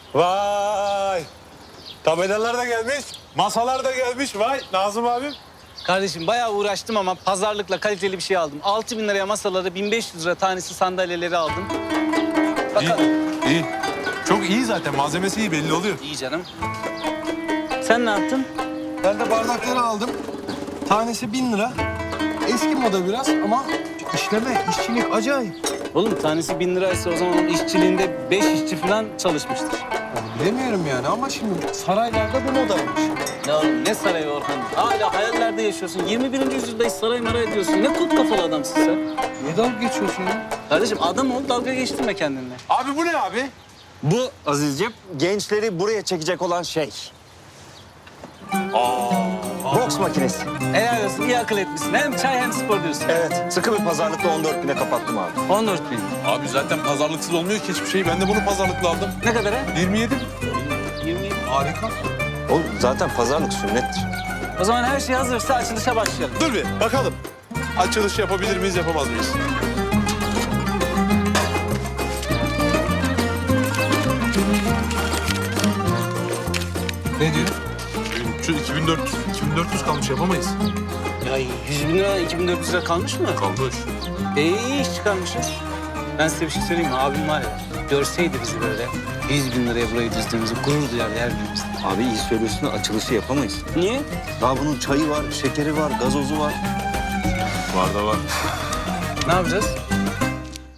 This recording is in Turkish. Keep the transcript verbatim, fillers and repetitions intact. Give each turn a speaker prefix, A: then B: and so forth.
A: Vay! Tabelalar da gelmiş, masalar da gelmiş. Vay Nazım abim.
B: Kardeşim bayağı uğraştım ama pazarlıkla kaliteli bir şey aldım. altı bin liraya masaları, bin beş yüz lira tanesi sandalyeleri aldım. Bakalım.
A: İyi, iyi. Çok iyi zaten. Malzemesi iyi belli oluyor.
B: İyi canım. Sen ne yaptın?
C: Ben de bardakları aldım. Tanesi bin lira. Eski moda biraz ama işleme, işçilik acayip.
B: Oğlum tanesi bin liraysa o zaman onun işçiliğinde beş işçi falan çalışmıştır.
C: Yani bilemiyorum yani ama şimdi saraylarda bu modaymış.
B: Ya oğlum ne sarayı Orhan? Hala hayallerde yaşıyorsun. yirmi birinci yüzyıldayız, saray maray diyorsun. Ne kut kafalı adamsın sen.
C: Niye dalga geçiyorsun ya?
B: Kardeşim adam ol, dalga geçtirme kendinle.
A: Abi bu ne abi?
D: Bu Azizciğim gençleri buraya çekecek olan şey. Boks makinesi.
B: Helal olsun, iyi akıl etmişsin. Hem çay hem spor diyorsun.
D: Evet, sıkı bir pazarlıkla on dört bine kapattım abi.
B: on dört bin.
A: Abi zaten pazarlıksız olmuyor ki hiçbir şey. Ben de bunu pazarlıkla aldım.
B: Ne kadar ha?
A: yirmi yedi.
B: yirmi yedi.
C: Harika.
D: Oğlum zaten pazarlık sünnettir.
B: O zaman her şey hazırsa açılışa başlayalım.
A: Dur bir bakalım. Açılış yapabilir miyiz, yapamaz mıyız?
C: Ne diyor?
A: Şu iki bin dört yüz, iki bin dört yüz kalmış, yapamayız.
B: Ya yüz bin lira, iki bin dört yüz lira kalmış mı?
A: Kalmış.
B: E, iyi iş çıkarmışız. Ben size bir şey söyleyeyim mi? Abim var ya, görseydi bizi böyle yüz bin liraya burayı düzdüğümüzü gurur duyardı her birimiz.
D: Abi iyi söylüyorsun da açılışı yapamayız.
B: Niye?
D: Daha bunun çayı var, şekeri var, gazozu var.
A: Var da var.
B: Ne yapacağız?